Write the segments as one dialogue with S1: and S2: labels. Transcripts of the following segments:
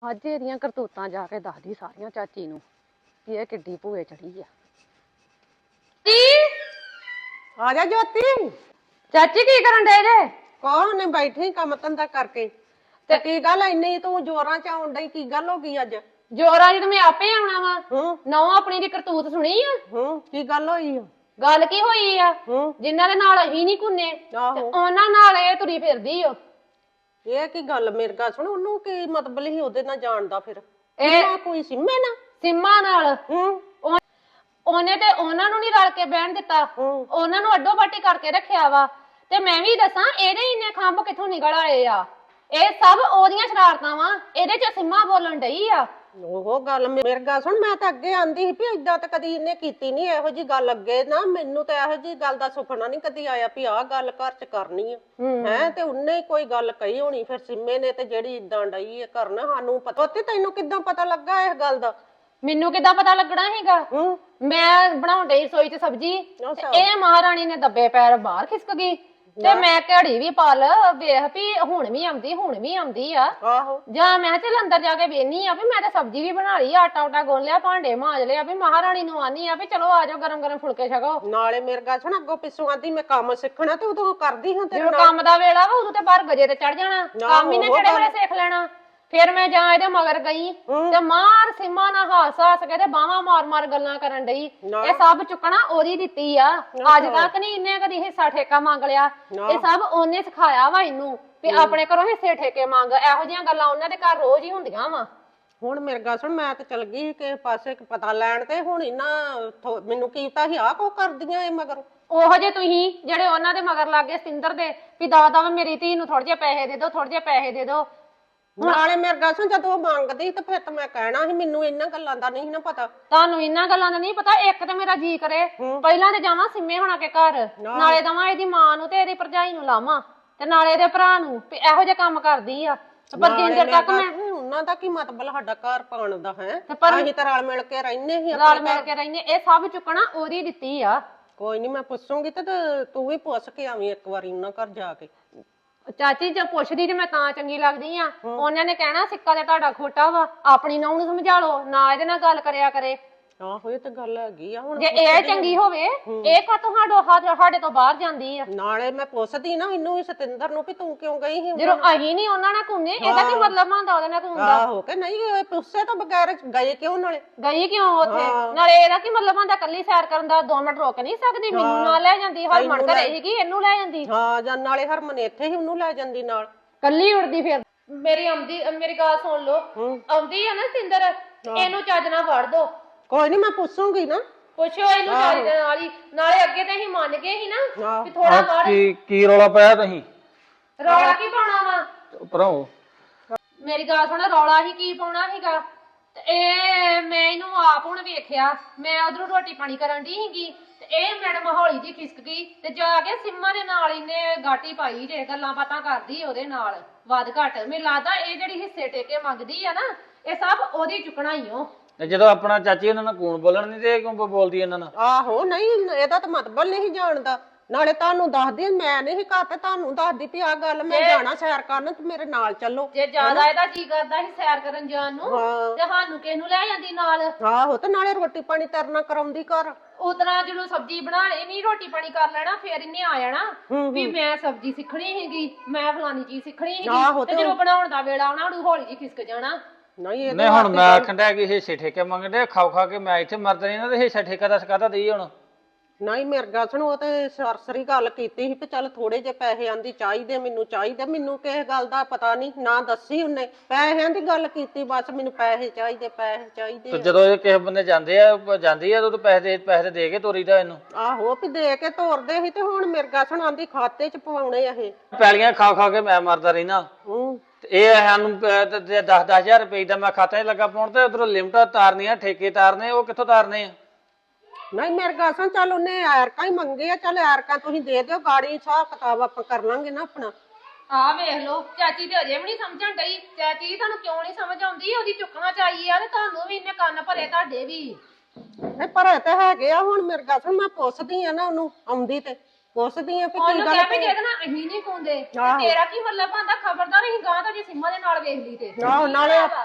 S1: ਅੱਜ ਇਹਦੀਆਂ ਕਰਤੂਤਾਂ ਜਾ ਕੇ ਦੱਸਦੀ ਸਾਰੀਆਂ ਚਾਚੀ ਨੂੰ ਕਿ ਇਹ ਕਿੱਡੀ ਭੂਏ ਚੜੀ ਆ।
S2: ਜੀ
S3: ਆ ਜਾ ਜੋਤੀ।
S2: ਚਾਚੀ ਕੀ ਕਰਨ ਡੇ ਜੇ?
S3: ਕੋਹ ਨੇ ਬੈਠੀ ਕੰਮ ਧੰਦਾ ਕਰਕੇ ਤੇ ਕੀ ਗੱਲ ਇੰਨੀ ਤੂੰ ਜੋਰਾਂ ਚ ਆਉਣ ਡਈ, ਕੀ ਗੱਲ ਹੋ ਗਈ ਅੱਜ?
S2: ਜੋਰਾ ਜੀ ਤੇ ਮੈਂ ਆਪੇ ਆਉਣਾ ਵਾ।
S3: ਹੂੰ
S2: ਨੌ ਆਪਣੀ ਦੀ ਕਰਤੂਤ ਸੁਣੀ ਆ?
S3: ਕੀ ਗੱਲ ਹੋਈ ਆ?
S2: ਗੱਲ ਕੀ ਹੋਈ ਆ?
S3: ਹੂੰ
S2: ਜਿਨ੍ਹਾਂ ਦੇ ਨਾਲ ਅਸੀਂ ਨਹੀਂ ਕੁੰਨੇ ਤੇ
S3: ਆਹੋ
S2: ਉਹਨਾਂ ਨਾਲ ਇਹ ਤੁਰੀ ਫਿਰਦੀ ਓ।
S3: ਇਹ ਕੀ ਗੱਲ? ਮੇਰੇ ਗੱਲ ਸੁਣ, ਉਹਨੂੰ ਕੀ ਮਤਲਬ ਹੀ ਉਹਦੇ ਨਾਲ ਜਾਣਦਾ ਫਿਰ?
S2: ਇਹ
S3: ਇਹ ਕੋਈ ਸਿੰਮੇ ਨਾ?
S2: ਸਿੰਮਾ ਨਾਲ
S3: ਹੂੰ
S2: ਉਹਨੇ ਤੇ ਉਹਨਾਂ ਨੂੰ ਨਹੀਂ ਰਲ ਕੇ ਬਹਿਣ ਦਿੱਤਾ,
S3: ਹੂੰ
S2: ਉਹਨਾਂ ਨੂੰ ਅੱਡੋ ਬਾਟੀ ਕਰਕੇ ਰੱਖਿਆ ਵਾ। ਤੇ ਮੈਂ ਵੀ ਦੱਸਾਂ ਇਹਦੇ ਇੰਨੇ ਖੰਭ ਕਿੱਥੋਂ ਨਿਕਲ ਆਏ ਆ? ਇਹ ਸਭ ਉਹਦੀਆਂ ਸ਼ਰਾਰਤਾਂ ਵਾ। ਇਹਦੇ ਚ ਸਿੰਮਾ ਬੋਲਣ ਡਈ ਆ।
S3: ਉਹ ਗੱਲ ਮੇਰੇ ਗੱਲ ਸੁਣ, ਮੈਂ ਤਾਂ ਅੱਗੇ ਆਂਦੀ ਸੀ ਵੀ ਏਦਾਂ ਤਾਂ ਕਦੀ ਇਹਨੇ ਕੀਤੀ ਨਹੀਂ ਇਹੋ ਜੀ ਗੱਲ। ਅੱਗੇ ਨਾ ਮੈਨੂੰ ਤਾਂ ਇਹੋ ਜੀ ਗੱਲ ਦਾ ਸੁਪਨਾ ਨਹੀਂ ਕਦੀ ਆਇਆ ਵੀ ਆਹ ਗੱਲ ਘਰ ਚ ਕਰਨੀ ਆ ਹੈ। ਤੇ ਉਹਨੇ ਹੀ ਕੋਈ ਗੱਲ ਕਹੀ ਹੋਣੀ ਫਿਰ ਸਿੰਮੇ ਨੇ, ਤੇ ਜਿਹੜੀ ਇਦਾਂ ਡਈ ਹੈ ਕਰਨ। ਸਾਨੂੰ ਪਤਾ ਤੇ ਤੈਨੂੰ ਕਿੱਦਾਂ ਪਤਾ ਲੱਗਾ ਇਸ ਗੱਲ ਦਾ?
S2: ਮੈਨੂੰ ਕਿੱਦਾਂ ਪਤਾ ਲੱਗਣਾ ਹੈਗਾ?
S3: ਹੂੰ
S2: ਮੈਂ ਬਣਾਉਣ ਡਈ ਰਸੋਈ ਚ ਸਬਜ਼ੀ ਤੇ ਇਹ ਮਹਾਰਾਣੀ ਨੇ ਦੱਬੇ ਪੈਰ ਬਾਹਰ ਖਿਸਕ ਗਈ ਤੇ ਮੈਂ ਘੜੀ ਵੀ ਪਲ ਵੇਖ ਵੀ ਹੁਣ ਵੀ ਆਉਂਦੀ ਆ।
S3: ਆਹੋ
S2: ਜਾਂ ਮੈਂ ਚੱਲ ਅੰਦਰ ਜਾ ਕੇ ਵੇਖਨੀ ਆ ਵੀ ਮੈਂ ਤਾਂ ਸਬਜ਼ੀ ਵੀ ਬਣਾ ਲਈ, ਆਟਾ ਉਟਾ ਗੁੰਨ ਲਿਆ, ਭਾਂਡੇ ਮਾਂਜ ਲਿਆ, ਵੀ ਮਹਾਰਾਣੀ ਨੂੰ ਆਨੀ ਆ ਵੀ ਚਲੋ ਆ ਜਾਓ ਗਰਮ ਗਰਮ ਫੁਲਕੇ ਛਕੋ।
S3: ਨਾਲੇ ਮੇਰੇ ਗੱਲ ਸੁਣ, ਅੱਗੋਂ ਪਿੱਛੋਂ ਆਂਦੀ ਮੈਂ ਕੰਮ ਸਿੱਖਣਾ, ਤੇ ਉਦੋਂ ਕਰਦੀ ਹਾਂ ਤੇਰੇ
S2: ਜਦੋਂ
S3: ਨਾਲ।
S2: ਕੰਮ ਦਾ ਵੇਲਾ ਵਾ ਉਦੋਂ ਤੇ ਬਾਹਰ ਗਜੇ ਤੇ ਚੜ ਜਾਣਾ, ਕੰਮ ਹੀ ਨੇ ਕਿਹੜੇ ਵੇਲੇ ਸਿੱਖ ਲੈਣਾ। ਫਿਰ ਮੈਂ ਜਾਂ ਇਹਦੇ ਮਗਰ ਗਈ ਤੇ ਮਾਰ ਸਿੰਮਾ ਨਾਲ ਹਾਸ ਕੇ ਤੇ ਬਾਹਾਂ ਮਾਰ ਮਾਰ ਗੱਲਾਂ ਕਰਨ ਡਈ। ਇਹ ਸਭ ਚੁੱਕਣਾ ਉਹਦੀ ਦਿੱਤੀ ਆ। ਅੱਜ ਤੱਕ ਨਹੀਂ ਇਹਨੇ ਕਦੀ ਹਿੱਸਾ ਠੇਕਾ ਮੰਗ ਲਿਆ। ਇਹ ਸਭ ਉਹਨੇ ਸਿਖਾਇਆ ਵਾ ਇਹਨੂੰ ਵੀ ਆਪਣੇ ਘਰੋਂ ਹਿੱਸੇ ਠੇਕੇ ਮੰਗ। ਇਹੋ ਜਿਹੀਆਂ ਗੱਲਾਂ ਉਹਨਾਂ ਦੇ ਘਰ ਰੋਜ਼ ਹੀ ਹੁੰਦੀਆਂ ਵਾ।
S3: ਹੁਣ ਮੇਰੇ ਗੱਲ ਸੁਣ, ਮੈਂ ਤੇ ਚਲ ਗਈ ਕਿਸੇ ਪਾਸੇ ਪਤਾ ਲੈਣ, ਤੇ ਹੁਣ ਇਹਨਾਂ ਮੈਨੂੰ ਕੀਤਾ ਸੀ ਆਹ ਕੋ ਕਰਦੀਆਂ ਇਹ ਮਗਰ।
S2: ਉਹੋ ਜੇ ਤੁਸੀਂ ਜਿਹੜੇ ਉਹਨਾਂ ਦੇ ਮਗਰ ਲੱਗੇ ਸਿੰਦਰ ਦੇ ਵੀ ਦਾ ਮੇਰੀ ਧੀ ਨੂੰ ਥੋੜੇ ਜਿਹੇ ਪੈਸੇ ਦੇ ਦਿਓ, ਥੋੜੇ ਜਿਹੇ ਪੈਸੇ ਦੇ ਦਿਓ।
S3: ਨਾਲੇ ਮੇਰੇ ਗੱਲ ਸੁਣ, ਜਦੋਂ ਉਹ ਮੰਗਦੀ ਤੇ ਫਿਰ ਤਾਂ ਮੈਂ ਕਹਿਣਾ ਸੀ, ਮੈਨੂੰ ਇਹਨਾਂ ਗੱਲਾਂ ਦਾ ਨਹੀਂ ਨਾ ਪਤਾ।
S2: ਤੁਹਾਨੂੰ ਇਹਨਾਂ ਗੱਲਾਂ ਦਾ ਨਹੀਂ ਪਤਾ। ਇੱਕ ਤੇ ਮੇਰਾ ਜੀ ਕਰੇ ਪਹਿਲਾਂ ਤੇ ਜਾਵਾਂ ਸਿੰਮੇ ਹੋਣਾ ਕੇ ਘਰ, ਨਾਲੇ ਦਵਾਂ ਇਹਦੀ ਮਾਂ ਨੂੰ ਤੇ ਇਹਦੀ ਭਰਜਾਈ ਨੂੰ ਲਾਵਾਂ, ਤੇ ਨਾਲੇ ਇਹਦੇ ਭਰਾ ਨੂੰ ਵੀ ਇਹੋ ਜਿਹੇ ਕੰਮ ਕਰਦੀ ਆ। ਪਰ ਜਿੰਨੇ ਤੱਕ ਮੈਂ
S3: ਉਹਨਾਂ ਦਾ ਕੀ ਮਤਲਬ ਸਾਡਾ ਘਰ ਪਾਉਣ ਦਾ ਹੈ? ਅਸੀਂ ਤਾਂ ਰਲ ਮਿਲ ਕੇ ਰਹਿੰਦੇ ਸੀ,
S2: ਰਲ ਮਿਲ ਕੇ ਰਹਿੰਦੇ। ਇਹ ਸਭ ਚੁੱਕਣਾ ਉਹਦੀ ਦਿੱਤੀ ਆ।
S3: ਕੋਈ ਨਹੀਂ ਮੈਂ ਪੁੱਛੂਗੀ ਤੇ ਤੂੰ ਵੀ ਪੁੱਛ ਕੇ ਆਵੀਂ ਇੱਕ ਵਾਰੀ ਉਹਨਾਂ ਘਰ ਜਾ ਕੇ।
S2: ਚਾਚੀ ਜੇ ਪੁੱਛਦੀ ਤੇ ਮੈਂ ਤਾਂ ਚੰਗੀ ਲੱਗਦੀ ਆ। ਉਹਨਾਂ ਨੇ ਕਹਿਣਾ ਸਿੱਕਾ ਤੇ ਤੁਹਾਡਾ ਖੋਟਾ ਵਾ, ਆਪਣੀ ਨੂੰਹ ਨੂੰ ਸਮਝਾ ਲਓ, ਨਾ ਇਹਦੇ ਨਾਲ ਗੱਲ ਕਰਿਆ ਕਰੇ।
S3: ਆਹੋ ਇਹ ਤਾਂ ਗੱਲ ਹੈਗੀ ਆ। ਹੁਣ
S2: ਜੇ ਇਹ ਚੰਗੀ ਹੋਵੇ ਇਹ ਕਾਤੋਂ ਸਾਡੇ ਤੋਂ ਬਾਹਰ ਜਾਂਦੀ ਆ?
S3: ਨਾਲੇ ਮੈਂ ਪੁੱਛਦੀ ਨਾ ਇਹਨੂੰ ਵੀ, ਸਤਿੰਦਰ ਨੂੰ, ਵੀ ਤੂੰ ਕਿਉਂ ਗਈ ਸੀ?
S2: ਜਦੋਂ ਅਸੀਂ ਨਹੀਂ ਉਹਨਾਂ ਨਾਲ ਘੁੰਮੇ, ਇਹਦਾ ਕੀ ਮਤਲਬ ਹੁੰਦਾ ਉਹਦੇ ਨਾਲ ਘੁੰਮਦਾ?
S3: ਆਹੋ ਕਿ ਨਹੀਂ, ਇਹ ਪੁੱਛੇ ਤੋਂ ਬਗੈਰ ਗਏ ਕਿਉਂ? ਨਾਲੇ
S2: ਗਈ ਕਿਉਂ ਉੱਥੇ? ਨਾਲੇ ਇਹਦਾ ਕੀ ਮਤਲਬ ਹੁੰਦਾ ਕੱਲੀ ਸੈਰ ਕਰਨ ਦਾ? 2 ਮਿੰਟ ਰੁਕ ਨਹੀਂ ਸਕਦੀ? ਮੈਨੂੰ ਨਾਲ ਲੈ ਜਾਂਦੀ, ਹਰਮਨ ਘਰੇ ਸੀਗੀ ਇਹਨੂੰ ਲੈ ਜਾਂਦੀ।
S3: ਹਾਂ, ਜਾਂ ਨਾਲੇ ਹਰਮਨ ਇੱਥੇ ਹੀ, ਉਹਨੂੰ ਲੈ ਜਾਂਦੀ ਨਾਲ।
S2: ਕੱਲੀ ਉੜਦੀ ਫਿਰ। ਮੇਰੀ ਗੱਲ ਸੁਣ ਲਓ, ਆਉਂਦੀ ਆ ਨਾ ਸਿੰਦਰ, ਇਹਨੂੰ ਚੱਜ ਨਾਲ ਵੜ ਦੋ।
S3: ਕੋਈ ਨਹੀਂ ਮੈਂ ਪੁੱਛੂਗੀ ਨਾ।
S2: ਪੁੱਛੋ ਇਹਨੂੰ ਚੱਜ ਦੇ ਨਾਲ ਹੀ। ਨਾਲੇ ਅੱਗੇ ਤੇ ਅਸੀਂ ਮੰਨ ਗਏ ਸੀ ਨਾ ਵੀ ਥੋੜਾ ਵੜ।
S4: ਕੀ ਰੌਲਾ ਪਾਇਆ ਤੁਸੀਂ?
S2: ਰੌਲਾ ਕੀ ਪਾਉਣਾ ਵਾ?
S4: ਭਰਾਓ
S2: ਮੇਰੀ ਗੱਲ ਸੁਣ, ਰੌਲਾ ਹੀ ਕੀ ਪਾਉਣਾ ਸੀਗਾ? ਤੇ ਇਹ ਮੈਂ ਇਹਨੂੰ ਆਪ ਹੁਣ ਵੇਖਿਆ, ਮੈਂ ਉਧਰੋਂ ਰੋਟੀ ਪਾਣੀ ਕਰਨ ਦੀ ਸੀਗੀ ਤੇ ਇਹ ਮੈਡਮ ਹੌਲੀ ਜੀ ਖਿਸਕ ਗਈ ਤੇ ਜਾ ਕੇ ਸਿੰਮਾ ਦੇ ਨਾਲ ਇਹਨੇ ਗਾਟੀ ਪਾਈ ਜੇ ਗੱਲਾਂ ਬਾਤਾਂ ਕਰਦੀ ਉਹਦੇ ਨਾਲ ਵੱਧ ਘੱਟ। ਮੈਨੂੰ ਲੱਗਦਾ ਇਹ ਜਿਹੜੀ ਹਿੱਸੇ ਟੇਕੇ ਮੰਗਦੀ ਆ ਨਾ, ਇਹ ਸਭ ਉਹਦੀ ਚੁੱਕਣਾ ਹੀ ਓ।
S4: ਤੇ ਜਦੋਂ ਆਪਣਾ ਚਾਚੀ ਉਹਨਾਂ ਨਾਲ ਕੂਣ ਬੋਲਣ ਨਹੀਂ ਤੇ ਕਿਉਂ ਬੋਲਦੀ ਇਹਨਾਂ ਨਾਲ?
S3: ਆਹੋ ਨਹੀਂ, ਇਹਦਾ ਤਾਂ ਮਤਲਬ ਨਹੀਂ ਜਾਣਦਾ। ਨਾਲੇ ਤੁਹਾਨੂੰ ਦੱਸਦੀ, ਮੈਂ ਨਹੀਂ ਘਰ, ਤੇ ਤੁਹਾਨੂੰ ਦੱਸਦੀ ਵੀ ਆਹ ਗੱਲ ਮੈਂ ਜਾਣਾ ਸੈਰ ਕਰਨ, ਤੇ ਮੇਰੇ ਨਾਲ ਚੱਲੋ।
S2: ਜੇ ਜ਼ਿਆਦਾ ਇਹਦਾ ਜੀ ਕਰਦਾ ਸੀ ਸੈਰ ਕਰਨ ਜਾਣ ਨੂੰ ਤੇ ਸਾਨੂੰ ਕਿਸ ਨੂੰ ਲੈ ਜਾਂਦੀ ਨਾਲ?
S3: ਆਹੋ, ਤੇ ਨਾਲੇ ਰੋਟੀ ਪਾਣੀ ਤਰਨਾ ਕਰਾਉਂਦੀ ਘਰ।
S2: ਉਤਰਾ ਜਦੋਂ ਸਬਜ਼ੀ ਬਣਾ ਲੈਣੀ, ਰੋਟੀ ਪਾਣੀ ਕਰ ਲੈਣਾ, ਫੇਰ ਇਹਨੇ ਆ ਜਾਣਾ ਵੀ ਮੈਂ ਸਬਜ਼ੀ ਸਿੱਖਣੀ ਹੈਗੀ, ਮੈਂ ਫਲਾਨੀ ਚੀਜ਼ ਸਿੱਖਣੀ ਹੈਗੀ। ਤੇ ਜਦੋਂ ਬਣਾਉਣ ਦਾ ਵੇਲਾ ਆਉਣਾ ਉਹਨੂੰ ਹੌਲੀ ਜੀ ਖਿਸਕ ਜਾਣਾ।
S4: ਨਹੀਂ ਹੁਣ ਮੈਂ ਆਖਣ ਡਿਆ ਕਿ ਹਿੱਸੇ ਠੇਕੇ ਮੰਗਦੇ, ਖਾ ਕੇ ਮੈਂ ਇੱਥੇ ਮਰਦ ਨਹੀਂ ਨਾ, ਤੇ ਹਿੱਸਾ ਠੇਕਾ ਦਾ ਕਾਹਦਾ ਦੇਈ ਹੁਣ?
S3: ਨਹੀਂ ਮੇਰੇ ਗੱਲ ਸੁਣ, ਉਹ ਤੇ ਸਰਸਰੀ ਗੱਲ ਕੀਤੀ ਸੀ ਵੀ ਚੱਲ ਥੋੜੇ ਜਿਹੇ ਪੈਸੇ ਆਂਦੀ ਚਾਹੀਦੇ, ਮੈਨੂੰ ਚਾਹੀਦੇ। ਮੈਨੂੰ ਕਿਸੇ ਗੱਲ ਦਾ ਪਤਾ ਨਹੀਂ, ਨਾ ਦੱਸੀ ਉਹਨੇ। ਪੈਸਿਆਂ ਦੀ ਗੱਲ ਕੀਤੀ ਬਸ, ਮੈਨੂੰ ਪੈਸੇ ਚਾਹੀਦੇ, ਪੈਸੇ ਚਾਹੀਦੇ।
S4: ਤੇ ਜਦੋਂ ਇਹ ਕਿਸੇ ਬੰਦੇ ਜਾਂਦੀ ਆ ਉਦੋਂ ਪੈਸੇ ਦੇ ਕੇ ਤੋਰੀਦਾ ਇਹਨੂੰ। ਆਹੋ
S3: ਵੀ ਦੇ ਕੇ ਤੋਰਦੇ ਸੀ, ਤੇ ਹੁਣ ਮੇਰੇ ਗੱਲ ਸੁਣ ਆਂਦੀ ਖਾਤੇ 'ਚ ਪਵਾਉਣੇ ਆ ਇਹ
S4: ਪੈਲੀਆਂ ਖਾ ਕੇ ਮੈਂ ਮਰਦਾ ਰਹਿਣਾ। ਇਹ ਸਾਨੂੰ 10,000 ਰੁਪਏ ਦਾ ਮੈਂ ਖਾਤੇ 'ਚ ਲੱਗਾ ਪਾਉਣ, ਤੇ ਉਧਰੋਂ ਲਿਮਟਾਂ ਤਾਰਨੀਆਂ, ਠੇਕੇ ਤਾਰਨੇ, ਉਹ ਕਿੱਥੋਂ ਤਾਰਨੇ ਆ?
S3: ਨਹੀਂ ਮੇਰੇ ਗੱਲ ਸੁਣ, ਚੱਲ ਉਹਨੇ ਐਰਕਾਂ ਹੀ ਮੰਗੇ ਆ, ਚੱਲ ਐਰਕਾਂ ਤੁਸੀਂ ਦੇ ਦਿਓ, ਗਾੜੀ ਹਿਸਾਬ ਕਿਤਾਬ ਆਪਾਂ ਕਰ ਲਾਂਗੇ ਨਾ ਆਪਣਾ।
S2: ਆਹ ਵੇਖ ਲੋ, ਚਾਚੀ ਤੇ ਅਜੇ ਵੀ ਨਹੀਂ ਸਮਝਣ ਡਈ। ਚਾਚੀ ਤੁਹਾਨੂੰ ਕਿਉਂ ਨਹੀਂ ਸਮਝ ਆਉਂਦੀ? ਉਹਦੀ ਚੁੱਕਣਾ ਚਾਹੀਏ ਆ, ਤੇ ਤੁਹਾਨੂੰ ਵੀ ਇਹਨੇ ਕੰਨ ਭਰੇ, ਤੁਹਾਡੇ ਵੀ।
S3: ਨਹੀਂ ਭਰੇ ਤੇ ਹੈਗੇ ਆ। ਹੁਣ ਮੇਰੇ ਗੱਲ ਸੁਣ, ਮੈਂ ਪੁੱਛਦੀ ਆ ਨਾ ਉਹਨੂੰ, ਆਉਂਦੀ ਤੇ ਪੁੱਛਦੀ ਆ ਵੀ ਕੀ ਗੱਲ
S2: ਹੈ। ਜਿਹਦੇ ਨਾਲ ਅਸੀਂ ਨਹੀਂ ਪਾਉਂਦੇ, ਤੇਰਾ ਕੀ ਮਤਲਬ ਆਂਦਾ? ਖਬਰਦਾਰ ਅਸੀਂ ਗਾਂ ਤਾਂ ਜੇ ਸਿੰਮਾ ਦੇ ਨਾਲ ਵੇਖ ਲਈ ਤੇ।
S3: ਨਾਲੇ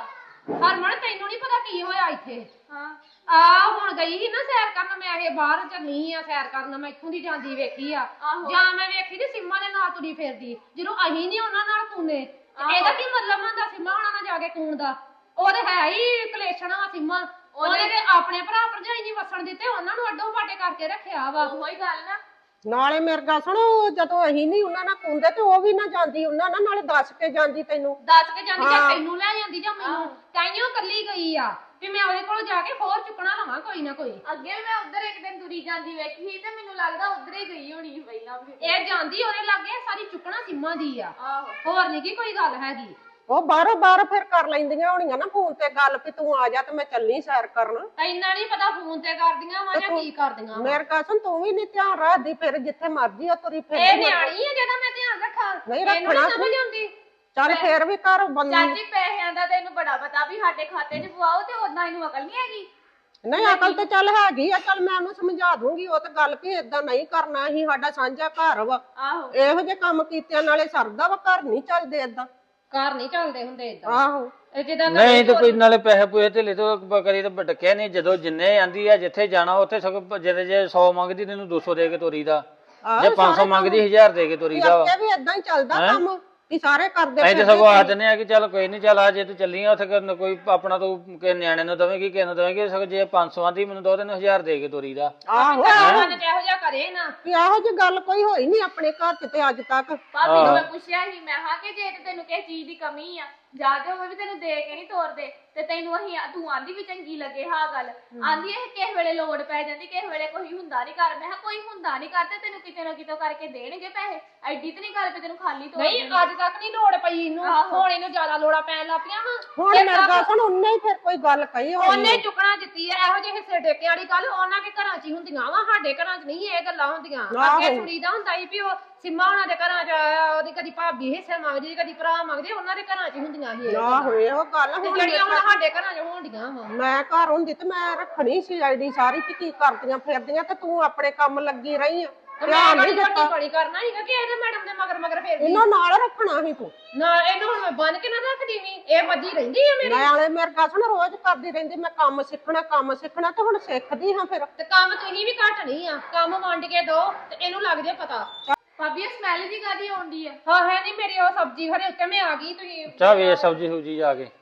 S2: ਹਰਮਨ ਤੈਨੂੰ ਨਹੀਂ ਪਤਾ ਕੀ ਹੋਇਆ ਇੱਥੇ
S5: ਹਾਂ
S2: ਆ ਹੁਣ ਗਈ ਸੀ ਨਾ ਸੈਰ ਕਰਨ ਮੈਂ ਇਹ ਬਾਹਰ ਚੱਲੀ ਆ ਸੈਰ ਕਰਨ ਮੈਂ ਇੱਥੋਂ ਦੀ ਜਾਂਦੀ ਵੇਖੀ ਆ ਜਾਂ ਮੈਂ ਵੇਖੀ ਤੇ ਸਿੰਮਾ ਦੇ ਨਾਲ ਤੁਰੀ ਫਿਰਦੀ ਜਦੋਂ ਅਸੀਂ ਨਹੀਂ ਉਹਨਾਂ ਨਾਲ ਕੂਨੇ ਇਹਦਾ ਕੀ ਮਤਲਬ ਹੁੰਦਾ ਸਿੰਮਾ ਉਹਨਾਂ ਨਾਲ ਜਾ ਕੇ ਕੂਣ ਦਾ ਉਹ ਤੇ ਹੈ ਹੀ ਕਲੇਸ਼ਣਾ ਵਾ ਸਿੰਮਾ ਉਹਨੇ ਤੇ ਆਪਣੇ ਭਰਾ ਭਰਜਾਈ ਨਹੀਂ ਵਸਣ ਦਿੱਤੇ ਉਹਨਾਂ ਨੂੰ ਅੱਡੋ ਪਾਟੇ ਕਰਕੇ ਰੱਖਿਆ ਵਾ
S5: ਉਹੀ ਗੱਲ ਨਾ
S3: ਨਾਲੇ ਮੇਰੇ ਗੱਲ ਸੁਣੋ ਜਦੋਂ ਅਸੀਂ ਨਹੀਂ ਉਹਨਾਂ ਨਾਲ ਕੁੰਦੇ ਤੇ ਉਹ ਵੀ ਨਾ ਜਾਂਦੀ ਉਹਨਾਂ ਨਾਲ ਨਾਲੇ ਦੱਸ ਕੇ ਜਾਂਦੀ ਤੈਨੂੰ
S2: ਦੱਸ ਕੇ ਜਾਂਦੀ ਜਾਂ ਤੈਨੂੰ ਲੈ ਜਾਂਦੀ ਜਾਂ ਮੈਨੂੰ ਤਾਈਓ ਕੱਲੀ ਗਈ ਆ ਵੀ ਮੈਂ ਉਹਦੇ ਕੋਲ ਜਾ ਕੇ ਹੋਰ ਚੁੱਕਣਾ ਲਵਾਂ ਕੋਈ ਨਾ ਕੋਈ
S5: ਅੱਗੇ ਵੀ ਮੈਂ ਉਧਰ ਇੱਕ ਦਿਨ ਤੁਰੀ ਜਾਂਦੀ ਵੇਖੀ ਤੇ ਮੈਨੂੰ ਲੱਗਦਾ ਉਧਰ ਹੀ ਗਈ ਹੋਣੀ ਪਹਿਲਾਂ ਵੀ
S2: ਇਹ ਜਾਂਦੀ ਉਹਦੇ ਲਾਗੇ ਸਾਰੀ ਚੁੱਕਣਾ ਸਿੰਮਾ ਦੀ ਆ
S5: ਆਹੋ
S2: ਹੋਰ ਨਹੀਂ ਕੀ ਕੋਈ ਗੱਲ ਹੈਗੀ
S3: ਉਹ ਬਾਹਰੋਂ ਫਿਰ ਕਰ ਲੈਂਦੀਆਂ ਹੋਣੀਆਂ ਨਾ ਫੋਨ ਤੇ ਗੱਲ ਵੀ ਤੂੰ ਆ ਜਾ ਤੇ ਮੈਂ ਚੱਲੀ ਸੈਰ ਕਰਨ
S2: ਇੰਨਾ ਨਹੀਂ ਪਤਾ ਫੋਨ ਤੇ ਕਰਦੀਆਂ ਵਾ ਜਾਂ ਕੀ ਕਰਦੀਆਂ
S3: ਮੇਰੇ ਕਾਸਨ ਤੂੰ ਵੀ ਨਹੀਂ ਧਿਆਨ ਰੱਖਦੀ ਫਿਰ ਜਿੱਥੇ ਮਰਜੀ ਆ ਤੁਰੀ ਫਿਰ
S2: ਇਹ ਨਿਆਣੀ ਆ ਜਿਹਦਾ ਮੈਂ ਧਿਆਨ ਰੱਖਾਂ
S3: ਨਹੀਂ
S2: ਇਹਨੂੰ
S3: ਰੱਖਣਾ
S2: ਸਮਝ ਆਉਂਦੀ
S3: ਚੱਲ ਫੇਰ ਵੀ ਕਰ ਬੰਦੀ
S5: ਚਾਚੀ ਪੈਸਿਆਂ ਦਾ ਤੈਨੂੰ ਬੜਾ ਪਤਾ ਵੀ ਸਾਡੇ ਖਾਤੇ 'ਚ ਪਵਾਓ ਤੇ ਉਦਾਂ ਇਹਨੂੰ ਅਕਲ ਨਹੀਂ ਹੈਗੀ
S3: ਨਹੀਂ ਅਕਲ ਤੇ ਚੱਲ ਹੈਗੀ ਆ ਚੱਲ ਮੈਂ ਉਹਨੂੰ ਸਮਝਾ ਦੂੰਗੀ ਉਹ ਤੇ ਗੱਲ ਵੀ ਏਦਾਂ ਨਹੀਂ ਕਰਨਾ ਅਸੀਂ ਸਾਡਾ ਸਾਂਝਾ ਘਰ ਵਾ
S5: ਆਹੋ
S3: ਇਹੋ ਜਿਹੇ ਕੰਮ ਕੀਤਿਆਂ ਨਾਲੇ ਸਰਦਾ ਵਾ ਘਰ ਨਹੀਂ ਚੱਲਦੇ ਏਦਾਂ
S2: ਘਰ ਨਹੀਂ ਚੱਲਦੇ ਹੁੰਦੇ ਇਦਾਂ
S3: ਆਹੋ
S2: ਇਹ ਜਿੱਦਾਂ
S4: ਨਹੀਂ ਤੇ ਕੋਈ ਨਾਲੇ ਪੈਸੇ ਪੂਏ ਢਿੱਲੇ ਤੋਂ ਕਰੀ ਤੇ ਡੱਕਿਆ ਨਹੀਂ ਜਦੋਂ ਜਿੰਨੇ ਆਂਦੀ ਆ ਜਿੱਥੇ ਜਾਣਾ ਉੱਥੇ ਸਗੋਂ ਜੇ 100 ਮੰਗਦੀ ਤੈਨੂੰ 200 ਦੇ ਕੇ ਤੋਰੀ ਦਾ ਜੇ 500 ਮੰਗਦੀ 1000 ਦੇ ਕੇ ਤੋਰੀ ਦਾ ਵਾ
S3: ਅੱਗੇ ਵੀ ਏਦਾਂ ਹੀ ਚੱਲਦਾ ਕੰਮ ਵੀ ਸਾਰੇ ਕਰਦੇ
S4: ਅਸੀਂ ਤੇ ਸਗੋਂ ਆਖ ਦਿੰਦੇ ਆ ਕਿ ਚੱਲ ਕੋਈ ਨਹੀਂ ਚੱਲ ਆ ਜੇ ਤੂੰ ਚੱਲੀ ਆ ਉੱਥੇ ਕੋਈ ਆਪਣਾ ਤੂੰ ਕਿ ਨਿਆਣੇ ਨੂੰ ਦਵੇਂਗੀ ਕਿਸੇ ਨੂੰ ਦਵੇਂਗੀ ਸਗੋਂ ਜੇ 500 ਆਂਦੀ ਮੈਨੂੰ ਦੋ ਤੈਨੂੰ 1000 ਦੇ ਕੇ ਤੋਰੀ ਦਾ
S3: ਆਹੋ
S2: ਮਨ ਜਿਹੋ ਜਿਹਾ ਕਰੇ ਨਾ
S3: ਵੀ ਇਹੋ ਜਿਹੀ ਗੱਲ ਕੋਈ ਹੋਈ ਨਹੀਂ ਆਪਣੇ ਘਰ ਚ ਤੇ ਅੱਜ ਤੱਕ
S5: ਭਾਬੀ ਨੂੰ ਮੈਂ ਪੁੱਛਿਆ ਸੀ ਮੈਂ ਹਾਂ ਕਿ ਜੇ ਤੇ ਤੈਨੂੰ ਕਿਸੇ ਚੀਜ਼ ਦੀ ਕਮੀ ਆ ਜਾ ਕੇ ਉਹ ਵੀ ਤੈਨੂੰ ਦੇ ਕੇ ਨਹੀਂ ਤੋਰਦੇ ਤੇ ਤੈਨੂੰ ਅਸੀਂ ਤੂੰ ਆਂਦੀ ਵੀ ਚੰਗੀ ਲੱਗੇ ਹਾਂ ਗੱਲ ਆਂਦੀ ਇਹ ਕਿਸੇ ਵੇਲੇ ਲੋੜ ਪੈ ਜਾਂਦੀ ਕਿਸੇ ਵੇਲੇ ਕੋਈ ਹੁੰਦਾ ਨਹੀਂ ਘਰ ਮੈਂ ਕਿਹਾ ਕੋਈ ਹੁੰਦਾ ਨਹੀਂ ਕਰਦੇ ਤੈਨੂੰ ਕਿਤੇ ਨਾ ਕਿਤੇ ਕਰਕੇ ਦੇਣਗੇ ਪੈਸੇ ਐਡੀ ਤੇ ਨਹੀਂ ਗੱਲ ਵੀ ਤੈਨੂੰ ਖਾਲੀ ਤੋਰ
S2: ਨਹੀਂ ਅੱਜ ਤੱਕ ਨਹੀਂ ਲੋੜ ਪਈ ਇਹਨੂੰ ਹੁਣ ਇਹਨੂੰ ਜ਼ਿਆਦਾ ਲੋੜਾਂ ਪੈਣ ਲੱਗ ਪਈਆਂ ਵਾ
S3: ਹੁਣ ਮੇਰੇ ਗੱਲ ਸੁਣ ਉਹਨੇ ਹੀ ਫਿਰ ਕੋਈ ਗੱਲ ਕਹੀ ਹੋਣੀ
S2: ਉਹਨੇ ਚੁੱਕਣਾ ਦਿੱਤੀ ਆ ਇਹੋ ਜਿਹੇ ਹਿੱਸੇ ਟੇਕੇ ਵਾਲੀ ਗੱਲ ਉਹਨਾਂ ਦੇ ਘਰਾਂ 'ਚ ਹੀ ਹੁੰਦੀਆਂ ਵਾ ਸਾਡੇ ਘਰਾਂ 'ਚ ਨਹੀਂ ਇਹ ਗੱਲਾਂ ਹੁੰਦੀਆਂ ਅੱਗੇ ਸੁਣੀਦਾ ਹੁੰਦਾ ਸੀ ਵੀ ਉਹ ਸਿੰਮਾ ਉਹਨਾਂ ਦੇ ਘਰਾਂ 'ਚ ਉਹਦੀ ਕਦੀ ਭਾਬੀ ਹਿੱਸੇ ਮੰਗਦੀ ਕਦੀ ਭਰਾ ਮੰਗਦੇ ਉਹਨਾਂ ਦੇ ਘਰਾਂ 'ਚ ਹੀ ਹੁੰਦੀਆਂ ਸੀ ਇਹ
S3: ਆਹੋ ਇਹੋ ਗੱਲ
S2: ਤੇ
S3: ਹੁਣ
S2: ਜਿਹੜੀਆਂ ਹੁਣ ਸਾਡੇ ਘਰਾਂ 'ਚ ਹੋਣਡੀਆਂ ਵਾ
S3: ਮੈਂ ਘਰ ਹੁੰਦੀ ਤੇ ਮੈਂ ਰੱਖਣੀ ਸੀ ਆਈਡੀ ਸਾਰੀ ਵੀ ਕੀ ਕਰਦੀਆਂ ਫਿਰਦੀਆਂ ਤੇ ਤੂੰ ਆਪਣੇ ਕੰਮ ਲੱਗੀ ਰਹੀ ਆ ਧਿਆਨ ਨਹੀਂ ਦਿੱਤਾ
S2: ਬੜੀ ਕਰਨਾ ਸੀਗਾ ਕਿ ਇਹਦੇ ਮੈਡਮ ਦੇ ਮਗਰ ਮਗਰ ਫੇਰਦੀ
S3: ਇਹਨਾਂ ਨਾਲ ਰੱਖਣਾ ਸੀ ਤੂੰ
S2: ਨਾ ਇਹਨੂੰ ਹੁਣ ਮੈਂ ਬੰਨ ਕੇ ਨਾ ਰੱਖਦੀ ਵੀ ਇਹ ਮੱਜੀ ਰਹਿੰਦੀ ਆ ਮੇਰੀ
S3: ਨਾਲੇ ਮੇਰੇ ਗੱਲ ਸੁਣ ਰੋਜ਼ ਕਰਦੀ ਰਹਿੰਦੀ ਮੈਂ ਕੰਮ ਸਿੱਖਣਾ ਤੇ ਹੁਣ ਸਿੱਖਦੀ ਹਾਂ ਫਿਰ
S2: ਤੇ ਕੰਮ ਤੁਸੀਂ ਵੀ ਘੱਟ ਨਹੀਂ ਆ ਕੰਮ ਵੰਡ ਕੇ ਦੋ ਤੇ ਇਹਨੂੰ ਲੱਗ ਜੇ ਪਤਾ
S5: ਭਾਬੀ ਇਹ ਸਮੈਲ ਜੀ ਕਾਦੀ ਆਉਂਦੀ ਆ
S2: ਹਾਂ ਹੈ ਨਹੀਂ ਮੇਰੀ ਉਹ ਸਬਜ਼ੀ ਹਰੇ ਉੱਤੇ ਮੈਂ ਆ ਗਈ ਤੁਸੀਂ
S4: ਚਾਹ ਵੇ ਸਬਜੀ ਸੁਬਜੀ ਜਾ ਕੇ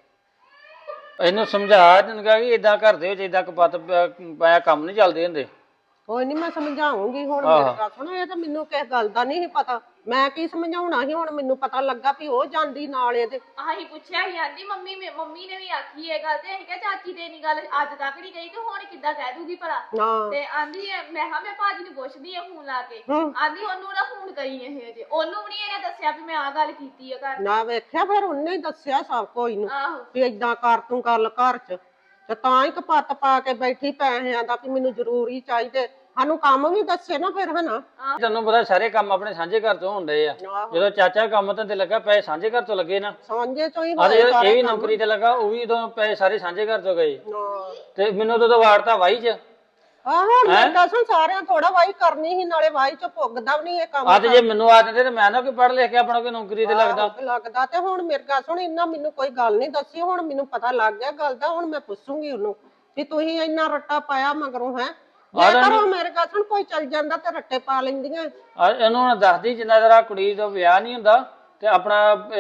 S4: ਇਹਨੂੰ ਸਮਝਾ ਦਿੰਗਾ ਕਿ ਇਦਾਂ ਘਰ ਦੇ ਵਿੱਚ ਇਦਾਂ ਕਪੱਤ ਪਾਇਆ ਕੰਮ ਨਹੀਂ ਚੱਲਦੇ ਹੁੰਦੇ
S3: ਕੋਈ ਨਹੀਂ ਮੈਂ ਸਮਝਾਉਂਗੀ ਹੁਣ ਮੇਰੇ ਗੱਲ ਸੁਣ ਇਹ ਤਾਂ ਮੈਨੂੰ ਕਿਸ ਗੱਲ ਦਾ ਨਹੀਂ ਪਤਾ ਮੈਂ ਕੀ ਸਮਝਾਉਣਾ ਸੀ ਹੁਣ ਮੈਨੂੰ ਪਤਾ ਲੱਗਾ ਵੀ ਉਹ ਜਾਂਦੀ ਨਾਲ ਇਹਦੇ
S5: ਆਹੀ ਪੁੱਛਿਆ ਸੀ ਆਂਦੀ ਮੰਮੀ ਨੇ ਵੀ ਆਖੀ ਇਹ ਗੱਲ ਤੇ ਅਸੀਂ ਕਿਹਾ ਚਾਚੀ ਤੇ ਨਹੀਂ ਗੱਲ ਅੱਜ ਤੱਕ ਨਹੀਂ ਗਈ ਤੇ ਹੁਣ ਕਿੱਦਾਂ ਕਹਿ ਦੂਗੀ ਭਲਾ
S3: ਹਾਂ
S5: ਤੇ ਆਂਦੀ ਮੈਂ ਹਾਂ ਮੈਂ ਭਾਜੀ ਨੂੰ ਪੁੱਛਦੀ ਆ ਫੋਨ ਲਾ ਕੇ ਆਂਦੀ ਉਹਨੂੰ ਨਾ ਫੋਨ ਕਰੀ ਇਹ ਅਜੇ ਉਹਨੂੰ ਵੀ ਨਹੀਂ ਇਹਨੇ ਦੱਸਿਆ ਵੀ ਮੈਂ ਆ ਗੱਲ ਕੀਤੀ ਆ ਘਰ
S3: ਨਾ ਵੇਖਿਆ ਫਿਰ ਉਹਨੇ ਹੀ ਦੱਸਿਆ ਸਭ ਕੋਈ ਨੂੰ
S5: ਆਹੋ
S3: ਵੀ ਏਦਾਂ ਕਰ ਤੂੰ ਗੱਲ ਘਰ ਚ ਤੇ ਤਾਂ ਹੀ ਕਪੱਤ ਪਾ ਕੇ ਬੈਠੀ ਪੈਸਿਆਂ ਦਾ ਵੀ ਮੈਨੂੰ ਜ਼ਰੂਰੀ ਚਾਹੀਦੇ ਸਾਨੂੰ ਕੰਮ ਵੀ ਦੱਸੇ ਨਾ ਫਿਰ ਹਨਾ
S4: ਤੈਨੂੰ ਪਤਾ ਸਾਰੇ ਕੰਮ ਆਪਣੇ ਸਾਂਝੇ ਘਰ ਤੋਂ ਹੁੰਦੇ ਆ ਜਦੋਂ ਚਾਚਾ ਕੰਮ ਤੇ ਲੱਗਾ ਪੈਸੇ ਸਾਂਝੇ ਘਰ ਤੋਂ ਲੱਗੇ ਨਾ
S3: ਸਾਂਝੇ ਚੋਂ ਹੀ
S4: ਆ ਤੇ ਇਹ ਵੀ ਨੌਕਰੀ ਤੇ ਲੱਗਾ ਉਹ ਵੀ ਉਦੋਂ ਪੈਸੇ ਸਾਰੇ ਸਾਂਝੇ ਘਰ ਤੋਂ ਗਏ ਤੇ ਮੈਨੂੰ ਤਾਂ ਵਾਰਤਾ ਵਾਈ ਚ
S3: ਆਹੋ ਮੈਂ ਦੱਸਾਂ ਸਾਰਿਆਂ ਥੋੜਾ ਵਾਈ ਕਰਨੀ ਸੀ ਨਾਲੇ ਵਾਈ ਚ ਪੁੱਗਦਾ ਵੀ ਨਹੀਂ ਇਹ ਕੰਮ
S4: ਅੱਜ ਜੇ ਮੈਨੂੰ ਆ ਦਿੰਦੇ ਤੇ ਮੈਂ ਨਾ ਕੋਈ ਪੜ੍ਹ ਲਿਖ ਕੇ ਆਪਣਾ ਕੋਈ ਨੌਕਰੀ ਤੇ
S3: ਲੱਗਦਾ ਤੇ ਹੁਣ ਮੇਰੇ ਗੱਲ ਸੁਣ ਇੰਨਾ ਮੈਨੂੰ ਕੋਈ ਗੱਲ ਨਹੀਂ ਦੱਸੀ ਹੁਣ ਮੈਨੂੰ ਪਤਾ ਲੱਗ ਗਿਆ ਗੱਲ ਦਾ ਹੁਣ ਮੈਂ ਪੁੱਛੂੰਗੀ ਉਹਨੂੰ ਵੀ ਤੁਸੀਂ ਇੰਨਾ ਰੱਟਾ ਪਾਇਆ ਮਗਰੋਂ ਹੈ ਜੇ ਕਰੋ ਮੇਰੇ ਗੱਲ ਸੁਣ ਕੋਈ ਚੱਲ ਜਾਂਦਾ ਤੇ ਰੱਟੇ ਪਾ ਲੈਂਦੀਆਂ
S4: ਇਹਨੂੰ ਦੱਸਦੀ ਜਿੰਨਾ ਜਰਾ ਕੁੜੀ ਦਾ ਵਿਆਹ ਨਹੀਂ ਹੁੰਦਾ ਤੇ ਆਪਣਾ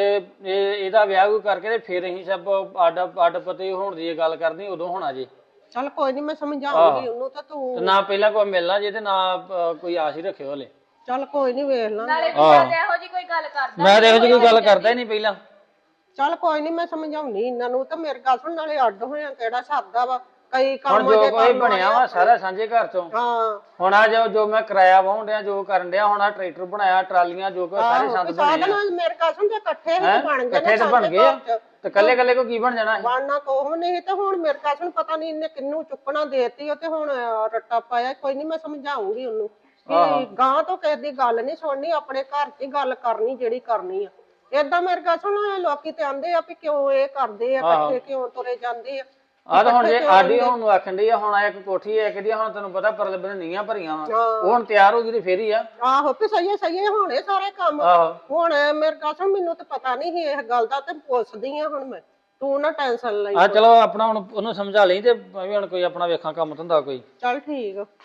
S4: ਇਹਦਾ ਵਿਆਹ ਕੋਈ ਕਰਕੇ ਤੇ ਫਿਰ ਅਸੀਂ ਸਭ ਅੱਡ ਪਤੇ ਹੋਣ ਦੀ ਗੱਲ ਕਰਨੀ ਉਦੋਂ ਹੋਣਾ ਜੀ
S3: ਚੱਲ ਕੋਈ ਨਹੀਂ ਮੈਂ ਸਮਝਾਉਂਗੀ ਉਹਨੂੰ ਤਾਂ ਤੂੰ
S4: ਨਾ ਪਹਿਲਾਂ ਕੋਈ ਮਿਲਣਾ ਜੇ ਤੇ ਨਾ ਕੋਈ ਆਸ ਹੀ ਰੱਖਿਓ ਹਲੇ
S3: ਚੱਲ ਕੋਈ ਨਹੀਂ ਵੇਖ ਲਾਂ
S5: ਨਾਲੇ ਇਹੋ ਜੀ ਕੋਈ ਗੱਲ ਕਰਦਾ
S4: ਮੈਂ ਤੇ ਇਹੋ ਜਿਹੀ ਕੋਈ ਗੱਲ ਕਰਦਾ ਹੀ ਨਹੀਂ ਪਹਿਲਾਂ
S3: ਚੱਲ ਕੋਈ ਨਹੀਂ ਮੈਂ ਸਮਝਾਉਣੀ ਇਹਨਾਂ ਨੂੰ ਤਾਂ ਮੇਰੇ ਗੱਲ ਸੁਣ ਨਾਲੇ ਅੱਡ ਹੋਇਆ ਕਿਹੜਾ ਸਰਦਾ ਵਾ ਕਈ
S4: ਹੁਣ
S3: ਕੰਮ
S4: ਜੋ ਕੋਈ ਬਣਿਆ ਵਾ ਸਾਰਾ ਸਾਂਝੇ ਘਰ ਤੋਂ
S3: ਹਾਂ
S4: ਹੁਣ ਆ ਜੋ ਮੈਂ ਕਿਰਾਇਆ ਵਾਹੁਣ ਡਿਆ ਜੋ ਕਰਨ ਡਿਆ ਹੁਣ ਆ ਟਰੈਕਟਰ ਬਣਾਇਆ ਟਰਾਲੀਆਂ ਜੋ ਕੋ ਸਾਰੇ ਸੰਦ ਬਣੇ ਆ
S3: ਮੇਰੇ ਗੱਲ ਸੁਣ ਜੇ ਇਕੱਠੇ ਹੀ ਬਣ ਗਏ
S4: ਇਕੱਠੇ ਤਾਂ ਬਣ ਗਏ ਆ ਤੇ ਕੱਲੇ ਕੋ ਕੀ ਬਣ ਜਾਣਾ
S3: ਬਣਨਾ ਕੋਹ ਨਹੀਂ ਤੇ ਹੁਣ ਮੇਰੇ ਗੱਲ ਸੁਣ ਪਤਾ ਨਹੀਂ ਇਹਨੇ ਕਿੰਨੂੰ ਚੁੱਕਣਾ ਦੇਤੀ ਉਹ ਤੇ ਹੁਣ ਰੱਟਾ ਪਾਇਆ ਕੋਈ ਨਹੀਂ ਮੈਂ ਸਮਝਾਉਂਗੀ ਉਹਨੂੰ ਕਿ ਗਾਂ ਤੋਂ ਕਿਸੇ ਦੀ ਗੱਲ ਨਹੀਂ ਸੁਣਨੀ ਆਪਣੇ ਘਰ 'ਚ ਹੀ ਗੱਲ ਕਰਨੀ ਜਿਹੜੀ ਕਰਨੀ ਆ ਏਦਾਂ ਮੇਰੇ ਗੱਲ ਸੁਣ ਲੋਕੀ ਤੇ ਆਂਦੇ ਆ ਵੀ ਕਿਉਂ ਇਹ ਕਰਦੇ ਆ ਇਕੱਠੇ ਕਿਉਂ ਤੁਰੇ ਜਾਂਦੇ ਆ
S4: ਆ ਤਾਂ ਹੁਣ ਜੇ ਆਡੀ ਹੁਣ ਨੂੰ ਆਖਣ ਡਈ ਆ ਹੁਣ ਇੱਕ ਕੋਠੀ ਹੈ ਕਿਹਦੀ ਹੁਣ ਤੈਨੂੰ ਪਤਾ ਪਰਲੇ ਬੰਨੇ ਨੀਆਂ ਭਰੀਆਂ ਵਾ ਉਹ ਹੁਣ ਤਿਆਰ ਹੋ ਗਈ ਤੇ ਫੇਰ ਹੀ ਆ
S3: ਆਹੋ ਵੀ ਸਹੀ ਹੋਣੇ ਸਾਰੇ ਕੰਮ ਹੁਣ ਮੇਰੇ ਗੱਲ ਸੁਣ ਮੈਨੂੰ ਤਾਂ ਪਤਾ ਨਹੀਂ ਸੀ ਇਸ ਗੱਲ ਦਾ ਤੇ ਪੁੱਛਦੀ ਆ ਹੁਣ ਮੈਂ ਤੂੰ ਨਾ ਟੈਨਸ਼ਨ ਲਈ
S4: ਆ ਚਲੋ ਆਪਣਾ ਹੁਣ ਉਹਨੂੰ ਸਮਝਾ ਲਈ ਤੇ ਮੈਂ ਵੀ ਹੁਣ ਕੋਈ ਆਪਣਾ ਵੇਖਾਂ ਕੰਮ ਧੰਦਾ ਕੋਈ।
S3: ਚੱਲ ਠੀਕ ਆ।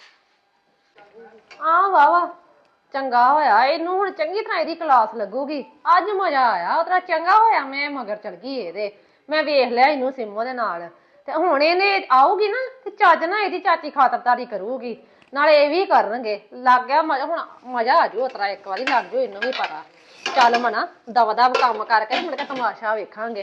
S2: ਆ ਵਾਵਾ ਚੰਗਾ ਹੋਇਆ, ਇਹਨੂੰ ਹੁਣ ਚੰਗੀ ਤਰ੍ਹਾਂ ਇਹਦੀ ਕਲਾਸ ਲੱਗੂਗੀ। ਅੱਜ ਮਜ਼ਾ ਆਇਆ, ਉਤਰਾ ਚੰਗਾ ਹੋਇਆ ਮੈਂ ਮਗਰ ਚਲ ਗਈ ਇਹਦੇ। ਮੈਂ ਵੇਖ ਲਿਆ ਇਹਨੂੰ ਸਿੰਮੋ ਦੇ ਨਾਲ, ਤੇ ਹੁਣ ਇਹਨੇ ਆਊਗੀ ਨਾ ਤੇ ਚੱਜ ਨਾ ਇਹਦੀ ਚਾਚੀ ਖਾਤਰਦਾਰੀ ਕਰੂਗੀ, ਨਾਲੇ ਇਹ ਵੀ ਕਰਨਗੇ। ਲੱਗ ਗਿਆ ਮਜ਼ਾ, ਹੁਣ ਮਜ਼ਾ ਆ ਜੂ ਉਤਰਾ ਇੱਕ ਵਾਰੀ ਲੱਗ ਜੂ ਇਹਨੂੰ ਵੀ ਪਤਾ। ਚੱਲ ਮਨਾ ਦਵਾ ਦਵ ਕੰਮ ਕਰਕੇ ਮੁੜ ਕੇ ਤਮਾਸ਼ਾ ਵੇਖਾਂਗੇ।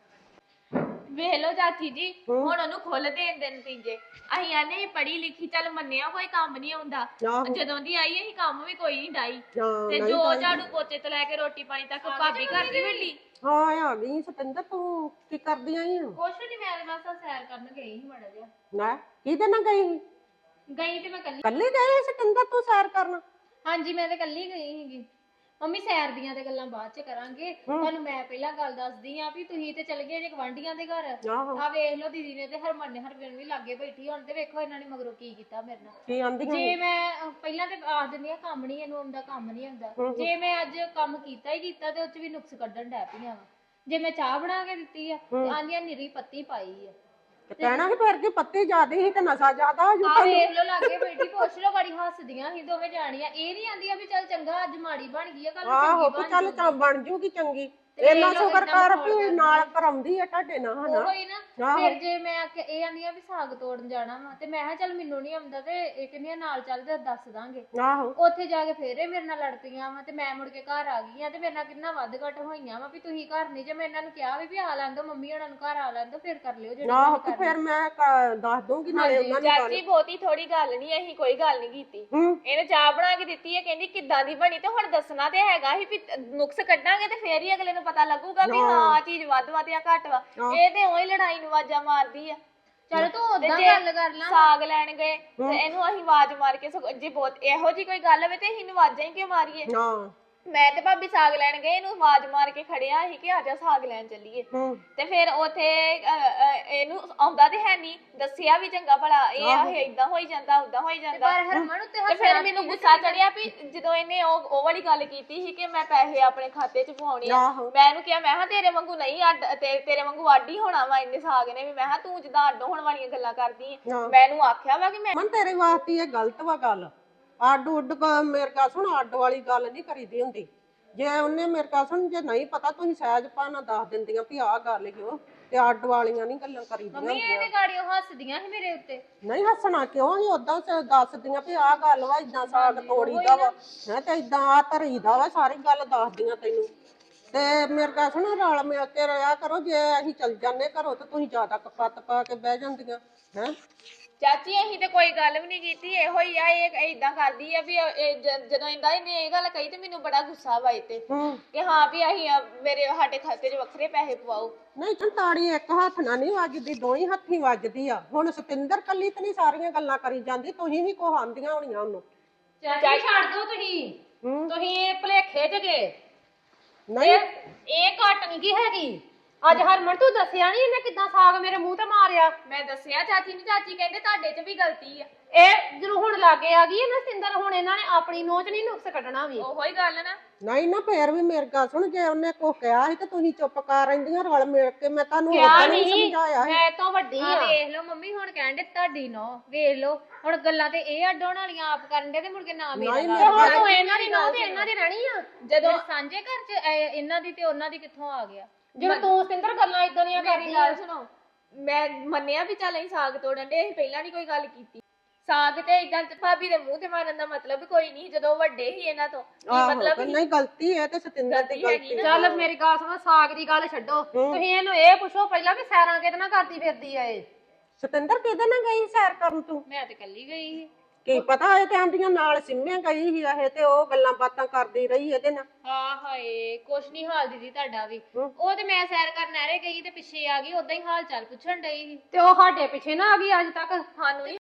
S5: ਵੇਖ ਲਓ ਚਾਚੀ ਜੀ, ਹੁਣ ਉਹਨੂੰ ਖੁੱਲ ਦੇਣ ਦੇ ਨਤੀਜੇ। ਅਸੀਂ ਆਨੇ ਪੜ੍ਹੀ ਲਿਖੀ, ਚੱਲ ਮੰਨਿਆ ਕੋਈ ਕੰਮ ਨਹੀਂ ਆਉਂਦਾ। ਜਦੋਂ ਦੀ ਆਈ ਅਸੀਂ ਕੰਮ ਵੀ ਕੋਈ ਨਹੀਂ ਡਾਈ, ਤੇ ਜੋ ਝਾੜੂ ਪੋਚੇ ਤੋਂ ਲੈ ਕੇ ਰੋਟੀ ਪਾਣੀ ਤੱਕ ਭਾਬੀ ਘਰ ਦੀ ਵੱਡੀ।
S3: ਹਾਂ ਆ ਗਈ ਸਤਿੰਦਰ, ਤੂੰ ਕੀ ਕਰਦੀ ਆਈ ਆ?
S5: ਕੁਛ ਨਹੀਂ, ਮੈਂ ਬਸ ਸੈਰ ਕਰਨ ਗਈ ਸੀ ਮਾੜਾ ਜਿਹਾ।
S3: ਨਾ ਕਿਹਦੇ ਨਾਲ ਗਈ ਸੀ?
S5: ਗਈ ਤੇ ਮੈਂ ਕੱਲੀ।
S3: ਕੱਲੀ ਗਈ ਸਤਿੰਦਰ ਤੂੰ ਸੈਰ ਕਰਨ?
S5: ਹਾਂਜੀ ਮੈਂ ਤੇ ਕੱਲੀ ਗਈ ਸੀਗੀ। ਮੰਮੀ ਸੈਰ ਦੀਆਂ ਤੇ ਗੱਲਾਂ ਬਾਅਦ ਚ ਕਰਾਂਗੇ, ਤੁਹਾਨੂੰ ਮੈਂ ਪਹਿਲਾਂ ਗੱਲ ਦੱਸਦੀ ਆ ਵੀ ਤੁਸੀਂ ਤੇ ਚਲ ਗਏ ਜੇ ਗਵਾਂਢੀਆਂ ਦੇ ਘਰ। ਆ ਵੇਖ ਲਓ ਦੀਦੀ ਨੇ ਤੇ ਹਰਮਨ ਨੇ ਹਰਵਿੰਦ ਵੀ ਲਾਗੇ ਬੈਠੀ, ਹੁਣ ਤੇ ਵੇਖੋ ਇਹਨਾਂ ਨੇ ਮਗਰੋਂ ਕੀ ਕੀਤਾ ਮੇਰੇ ਨਾਲ।
S3: ਕੀ ਆਂਦੀਆਂ?
S5: ਜੇ ਮੈਂ ਪਹਿਲਾਂ ਤੇ ਆਖ ਦਿੰਦੀ ਆ ਕੰਮ ਨਹੀਂ ਇਹਨੂੰ ਆਉਂਦਾ, ਕੰਮ ਨਹੀਂ ਆਉਂਦਾ। ਜੇ ਮੈਂ ਅੱਜ ਕੰਮ ਕੀਤਾ ਹੀ ਕੀਤਾ ਤੇ ਉਹ ਚ ਵੀ ਨੁਕਸ ਕੱਢਣ ਡੈ ਪਈਆਂ ਵਾ। ਜੇ ਮੈਂ ਚਾਹ ਬਣਾ ਕੇ ਦਿੱਤੀ ਆ ਤੇ ਆਂਦੀਆਂ ਨਿਰੀ ਪੱਤੀ ਪਾਈ ਆ।
S3: ਕਹਿਣਾ ਸੀ ਫਿਰ ਕੀ ਪੱਤੀ ਜ਼ਿਆਦੀ ਸੀ ਤੇ ਨਸ਼ਾ ਜ਼ਿਆਦਾ ਹੋ ਜੂ।
S5: ਆ ਵੇਖ ਲੋ ਲਾਗੇ ਬੈਠੀ, ਪੁੱਛ ਲੋ, ਬੜੀ ਹੱਸਦੀਆਂ ਸੀ ਦੋਵੇਂ ਜਾਣੀਆਂ। ਇਹ ਨਹੀਂ ਆਂਦੀਆਂ ਵੀ ਚੱਲ ਚੰਗਾ ਅੱਜ ਮਾੜੀ ਬਣ ਗਈ ਆ, ਕੱਲ
S3: ਆਹੋ
S5: ਚੰਗੀ
S3: ਚੱਲ ਤਾਂ ਬਣ ਜੂਗੀ ਚੰਗੀ। ਇਹਨਾਂ ਸ਼ੁਕਰ ਕਰ ਵੀ ਨਾਲ ਕਰਾਉਂਦੀ ਆ ਤੁਹਾਡੇ ਨਾਲ ਹਨਾ।
S5: ਹੋਈ ਨਾ। ਫਿਰ ਜੇ ਮੈਂ ਇਹ ਆਂਦੀਆਂ ਵੀ ਸਾਗ ਤੋੜਨ ਜਾਣਾ ਵਾ ਤੇ ਮੈਂ ਕਿਹਾ ਚੱਲ ਮੈਨੂੰ ਨਹੀਂ ਆਉਂਦਾ ਤੇ ਇਹ ਕਹਿੰਦੀਆਂ ਨਾਲ ਚੱਲ ਤੇ ਦੱਸ ਦਾਂਗੇ।
S3: ਆਹੋ
S5: ਉੱਥੇ ਜਾ ਕੇ ਫੇਰ ਇਹ ਮੇਰੇ ਨਾਲ ਲੜ ਪਈਆਂ ਵਾ ਤੇ ਮੈਂ ਮੁੜ ਕੇ ਘਰ ਆ ਗਈ ਆ ਤੇ ਮੇਰੇ ਨਾਲ ਕਿੰਨਾ ਵੱਧ ਘਟ ਹੋਈਆਂ ਵਾ ਵੀ ਤੁਸੀਂ ਘਰ ਨਹੀਂ। ਜੇ ਮੈਂ ਇਹਨਾਂ ਨੂੰ ਕਿਹਾ ਵੀ ਆ ਲੈਣ ਦੋ, ਮੰਮੀ ਉਹਨਾਂ ਨੂੰ ਘਰ ਆ ਲੈਣ ਦੋ, ਫਿਰ ਕਰ ਲਿਓ ਜਿਹੜਾ।
S3: ਆਹੋ ਤੇ ਫਿਰ ਮੈਂ ਦੱਸ ਦੂੰਗੀ ਨਾਲੇ ਉਹਨਾਂ ਨੂੰ।
S5: ਚਾਚੀ ਬਹੁਤੀ ਥੋੜੀ ਗੱਲ ਨਹੀਂ, ਅਸੀਂ ਕੋਈ ਗੱਲ ਨਹੀਂ ਕੀਤੀ। ਇਹਨੇ ਚਾਹ ਬਣਾ ਕੇ ਦਿੱਤੀ ਹੈ, ਕਹਿੰਦੀ ਕਿੱਦਾਂ ਦੀ ਬਣੀ, ਤੇ ਹੁਣ ਦੱਸਣਾ ਤੇ ਹੈਗਾ ਹੀ ਵੀ ਨੁਕਸ ਕੱਢਾਂਗੇ ਤੇ ਫੇਰ ਹੀ ਅਗਲੇ ਨੂੰ ਪਤਾ ਲੱਗੂਗਾ ਵੀ ਹਾਂ ਚੀਜ਼ ਵੱਧ ਵਾ ਤੇ ਆ ਘੱਟ ਵਾ। ਇਹ ਤੇ ਉਹੀ ਲੜਾਈ ਨੂੰ ਆਵਾਜ਼ਾਂ ਮਾਰਦੀ ਆ। ਚਲ ਤੂੰ ਉਦਾਂ ਗੱਲ ਕਰ ਲਾ। ਸਾਗ ਲੈਣ ਗਏ ਤੇ ਇਹਨੂੰ ਅਸੀਂ ਆਵਾਜ਼ ਮਾਰ ਕੇ, ਜੇ ਬਹੁਤ ਇਹੋ ਜੀ ਕੋਈ ਗੱਲ ਹੋਵੇ ਤੇ ਅਸੀਂ ਆਵਾਜ਼ਾਂ ਹੀ ਕਿਉਂ ਮਾਰੀਏ। ਮੈਂ ਤੇ ਭਾਬੀ ਸਾਗ ਲੈਣ ਗਏ, ਇਹਨੂੰ ਆਵਾਜ਼ ਮਾਰ ਕੇ ਖੜਿਆ ਸੀ ਕਿ ਆਜਾ ਸਾਗ ਲੈਣ ਚੱਲੀਏ। ਤੇ ਫਿਰ ਉਥੇ ਇਹਨੂੰ ਆਉਂਦਾ ਤੇ ਹੈ ਨਹੀਂ, ਦੱਸਿਆ ਵੀ ਚੰਗਾ ਭਲਾ ਇਹ ਏਦਾਂ ਹੋਈ ਜਾਂਦਾ ਉਦਾਂ ਹੋਈ ਜਾਂਦਾ। ਤੇ ਫਿਰ ਮੈਨੂੰ ਗੁੱਸਾ ਚੜਿਆ ਵੀ ਜਦੋਂ ਇਹਨੇ ਉਹ ਵਾਲੀ ਗੱਲ ਕੀਤੀ ਸੀ ਕਿ ਮੈਂ ਪੈਸੇ ਆਪਣੇ ਖਾਤੇ 'ਚ ਪਵਾਉਣੇ ਆ, ਮੈਂ ਇਹਨੂੰ ਕਿਹਾ, ਮੈਂ ਕਿਹਾ ਤੇਰੇ ਵਾਂਗੂ ਨਹੀਂ ਅੱਡ, ਤੇਰੇ ਵਾਂਗੂ ਅੱਡ ਹੀ ਹੋਣਾ ਵਾ ਇੰਨੇ ਸਾਗ ਨੇ ਵੀ। ਮੈਂ ਕਿਹਾ ਤੂੰ ਜਿੱਦਾਂ ਅੱਡ ਹੋਣ ਵਾਲੀਆਂ ਗੱਲਾਂ ਕਰਦੀ ਆ। ਮੈਂ ਇਹਨੂੰ ਆਖਿਆ ਵਾ ਕਿ ਮੈਂ
S3: ਤੇਰੇ ਵਾਸਤੇ ਇਹ ਗਲਤ ਵਾ ਗੱਲ। ਅੱਡ ਉੱਡ ਮੇਰੇ ਕਾ ਸੁਣ, ਅੱਡ ਵਾਲੀ ਗੱਲ ਨਹੀਂ ਕਰੀਦੀ ਹੁੰਦੀ। ਜੇ ਉਹਨੇ ਮੇਰੇ ਕਾ ਸੁਣ, ਜੇ ਨਹੀਂ ਪਤਾ ਤੁਸੀਂ ਸਹਿਜ ਭਾਣਾ ਦੱਸ ਦਿੰਦੀਆਂ ਵੀ ਆਹ ਗੱਲ ਕਿਉਂ, ਤੇ ਅੱਡ ਵਾਲੀਆਂ ਨਹੀਂ ਗੱਲਾਂ ਕਰੀਦੀਆਂ।
S5: ਮੰਮੀ ਇਹਦੇ ਗਾੜੀਆਂ ਹੱਸਦੀਆਂ ਸੀ ਮੇਰੇ ਉੱਤੇ।
S3: ਨਹੀਂ ਹੱਸਣਾ ਕਿਉਂ ਸੀ, ਉਦਾਂ ਦੱਸਦੀਆਂ ਵੀ ਆਹ ਗੱਲ ਵਾ, ਇਦਾਂ ਸਾਗ ਤੋੜੀਦਾ ਵਾ ਹੈ ਤੇ ਇਦਾਂ ਆ ਧਰੀਦਾ ਵਾ, ਸਾਰੀ ਗੱਲ ਦੱਸਦੀਆਂ ਤੈਨੂੰ। ਤੇ ਮੇਰੇ ਕਾ ਸੁਣ, ਰਲ ਮਿਲ ਕੇ ਰਿਹਾ ਕਰੋ। ਜੇ ਅਸੀਂ ਚੱਲ ਜਾਂਦੇ ਘਰੋਂ ਤੇ ਤੁਸੀਂ ਜ਼ਿਆਦਾ ਕਪੱਤ ਪਾ ਕੇ ਬਹਿ ਜਾਂਦੀਆਂ ਹੈ।
S5: ਚਾਚੀ ਅਸੀਂ ਤੇ ਕੋਈ ਗੱਲ ਵੀ ਨਹੀਂ ਕੀਤੀ, ਇਹੋ ਹੀ ਆ ਇਹ ਏਦਾਂ ਕਰਦੀ ਆ ਵੀ ਜਦੋਂ ਇਹਨੇ ਇਹ ਗੱਲ ਕਹੀ ਤੇ ਮੈਨੂੰ ਬੜਾ ਗੁੱਸਾ ਵਾ ਤੇ ਕਿ ਹਾਂ ਵੀ ਅਸੀਂ ਸਾਡੇ ਖਾਤੇ 'ਚ ਵੱਖਰੇ ਪੈਸੇ ਪਵਾਓ।
S3: ਨਹੀਂ ਤਾੜੀ ਇੱਕ ਹੱਥ ਨਾਲ ਨਹੀਂ ਵੱਜਦੀ, ਦੋਹੀਂ ਹੱਥੀਂ ਵੱਜਦੀ ਆ। ਹੁਣ ਸਤਿੰਦਰ ਕੱਲੀ ਤੇ ਨਹੀਂ ਸਾਰੀਆਂ ਗੱਲਾਂ ਕਰੀ ਜਾਂਦੀ, ਤੁਸੀਂ ਵੀ ਕੋ ਆਂਦੀਆਂ ਹੋਣੀਆਂ ਉਹਨੂੰ।
S2: ਚਾਚੀ ਛੱਡ ਦੋ ਤੁਸੀਂ ਭੁਲੇਖੇ ਚ ਗਏ।
S3: ਨਹੀਂ
S2: ਇਹ ਘਟ ਨਹੀਂ ਕੀ ਹੈਗੀ। ਅੱਜ ਹਰਮਨ ਤੂੰ ਦੱਸਿਆ ਨਹੀਂ ਇਹਨੇ ਕਿੱਦਾਂ ਸਾਗ ਮੇਰੇ ਮੂੰਹ ਤੇ ਮਾਰਿਆ।
S5: ਮੈਂ ਦੱਸਿਆ ਚਾਚੀ ਨੂੰ, ਚਾਚੀ ਕਹਿੰਦੇ ਤੁਹਾਡੇ 'ਚ ਵੀ ਗਲਤੀ ਆ।
S2: ਇਹ ਜਦੋਂ ਹੁਣ ਲਾਗੇ ਆ ਗਈ ਨਾ ਸਿੰਦਰ, ਹੁਣ ਇਹਨਾਂ ਨੇ ਆਪਣੀ ਨੋਚ ਨਹੀਂ ਨੁਕਸ ਕੱਢਣਾ ਵੀ।
S5: ਉਹੋ ਹੀ ਗੱਲ ਨਾ।
S3: ਨਹੀਂ ਨਾ ਫੇਰ ਵੀ ਮੇਰੇ ਗੱਲ ਸੁਣ, ਜੇ ਉਹਨੇ ਕੁਛ ਕਿਹਾ ਸੀ ਤੇ ਤੁਸੀਂ ਚੁੱਪ ਕਰ ਰਹਿੰਦੀਆਂ ਰਲ ਮਿਲ ਕੇ। ਮੈਂ ਤੁਹਾਨੂੰ
S2: ਕਿਹਾ
S3: ਨਹੀਂ
S2: ਨਹੀਂ,
S3: ਸਮਝਾਇਆ
S2: ਮੈਂ ਤਾਂ ਵੱਡੀ ਆ।
S5: ਵੇਖ ਲਓ ਮੰਮੀ ਹੁਣ ਕਹਿੰਦੇ ਤੁਹਾਡੀ ਨੋ, ਵੇਖ ਲਓ ਹੁਣ ਗੱਲਾਂ ਤੇ ਇਹ ਅੱਡੋਣ ਵਾਲੀਆਂ ਆਪ ਕਰਨ ਦੇ ਤੇ ਮੁੜ ਕੇ ਨਾ ਮੇਰਾ
S2: ਹੁਣ ਇਹਨਾਂ ਦੀ ਨੋ ਤੇ ਇਹਨਾਂ ਦੀ ਰਹਿਣੀ ਆ।
S5: ਜਦੋਂ ਸਾਂਝੇ ਘਰ 'ਚ ਇਹਨਾਂ ਦੀ ਤੇ ਉਹਨਾਂ ਦੀ ਕਿੱਥੋਂ ਆ ਗਿਆ।
S2: ਜਦੋਂ ਤੂੰ ਸਿੰਦਰ ਗੱਲਾਂ ਇਦਾਂ ਦੀਆਂ ਕਰਦੀ।
S5: ਗੱਲ ਸੁਣੋ, ਮੈਂ ਮੰਨਿਆ ਵੀ ਚੱਲ ਅਸੀਂ ਸਾਗ ਤੋੜਨ ਦੇ, ਅਸੀਂ ਪਹਿਲਾਂ ਨਹੀਂ ਕੋਈ ਗੱਲ ਕੀਤੀ। ਸਾਗ ਤੇ ਇਦਾਂ ਭਾਬੀ ਦੇ ਮੂੰਹ ਤੇ ਮਾਰਨ ਦਾ ਮਤਲਬ ਕੋਈ ਨਹੀਂ, ਜਦੋਂ ਵੱਡੇ ਹੀ ਇਹਨਾਂ ਤੋਂ
S3: ਮਤਲਬ ਨਹੀਂ। ਗਲਤੀ ਹੈ ਤੇ ਸਤਿੰਦਰ ਦੀ ਗਲਤੀ।
S2: ਚੱਲ ਮੇਰੀ ਗੱਲ ਸੁਣੋ, ਸਾਗ ਦੀ ਗੱਲ ਛੱਡੋ, ਤੁਸੀਂ ਇਹਨੂੰ ਇਹ ਪੁੱਛੋ ਪਹਿਲਾਂ ਵੀ ਸੈਰਾਂ ਕਿਹਦੇ ਨਾਲ ਕਰਦੀ ਫਿਰਦੀ ਆ ਇਹ।
S3: ਸਤਿੰਦਰ ਕਿਹਦੇ ਨਾਲ ਗਈ ਸੈਰ ਕਰਨ ਤੂੰ?
S5: ਮੈਂ ਤੇ ਕੱਲੀ ਗਈ ਸੀ।
S3: ਕੀ ਪਤਾ ਇਹ ਤੇ ਆਂਦੀਆਂ ਨਾਲ ਸਿੰਮੇ ਗਈ ਸੀ ਇਹ, ਤੇ ਉਹ ਗੱਲਾਂ ਬਾਤਾਂ ਕਰਦੀ ਰਹੀ ਇਹਦੇ ਨਾਲ।
S5: ਹਾਂ ਹਾਏ ਕੁਛ ਨਹੀਂ ਹਾਲ ਦੀਦੀ ਤੁਹਾਡਾ ਵੀ। ਉਹ ਤੇ ਮੈਂ ਸੈਰ ਕਰਨ ਨਹਿਰੇ ਗਈ ਤੇ ਪਿੱਛੇ ਆ ਗਈ, ਉਦਾਂ ਹੀ ਹਾਲ ਚਾਲ ਪੁੱਛਣ ਡਈ ਸੀ
S2: ਤੇ ਉਹ ਸਾਡੇ ਪਿੱਛੇ ਨਾ ਆ ਗਈ ਅੱਜ ਤੱਕ।
S5: ਸਾਨੂੰ